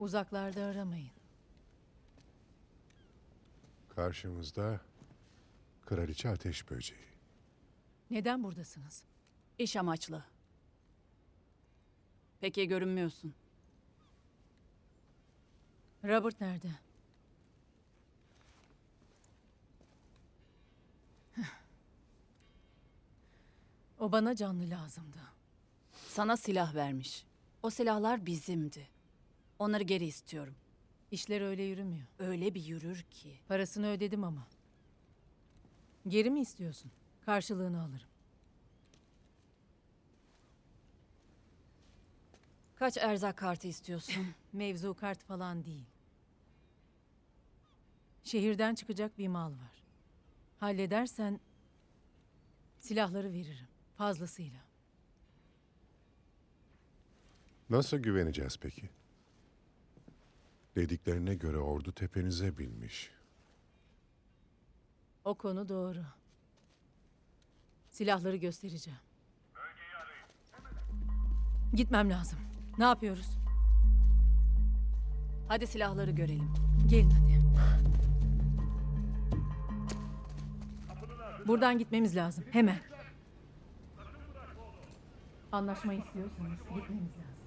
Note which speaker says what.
Speaker 1: Uzaklarda aramayın.
Speaker 2: Karşımızda Kraliçe Ateş Böceği.
Speaker 1: Neden buradasınız?
Speaker 3: İş amaçlı. Peki görünmüyorsun.
Speaker 1: Robert nerede? O bana canlı lazımdı.
Speaker 3: Sana silah vermiş. O silahlar bizimdi. Onları geri istiyorum.
Speaker 1: İşler öyle yürümüyor.
Speaker 3: Öyle bir yürür ki.
Speaker 1: Parasını ödedim ama. Geri mi istiyorsun? Karşılığını alırım.
Speaker 3: Kaç erzak kartı istiyorsun?
Speaker 1: Mevzu kart falan değil. Şehirden çıkacak bir mal var. Halledersen silahları veririm. Fazlasıyla.
Speaker 2: Nasıl güveneceğiz peki? Dediklerine göre ordu tepenize binmiş.
Speaker 1: O konu doğru. Silahları göstereceğim. Gitmem lazım. Ne yapıyoruz?
Speaker 3: Hadi silahları görelim.
Speaker 1: Gelin hadi. Buradan gitmemiz lazım. Hemen. Anlaşma istiyorsanız gitmemiz lazım.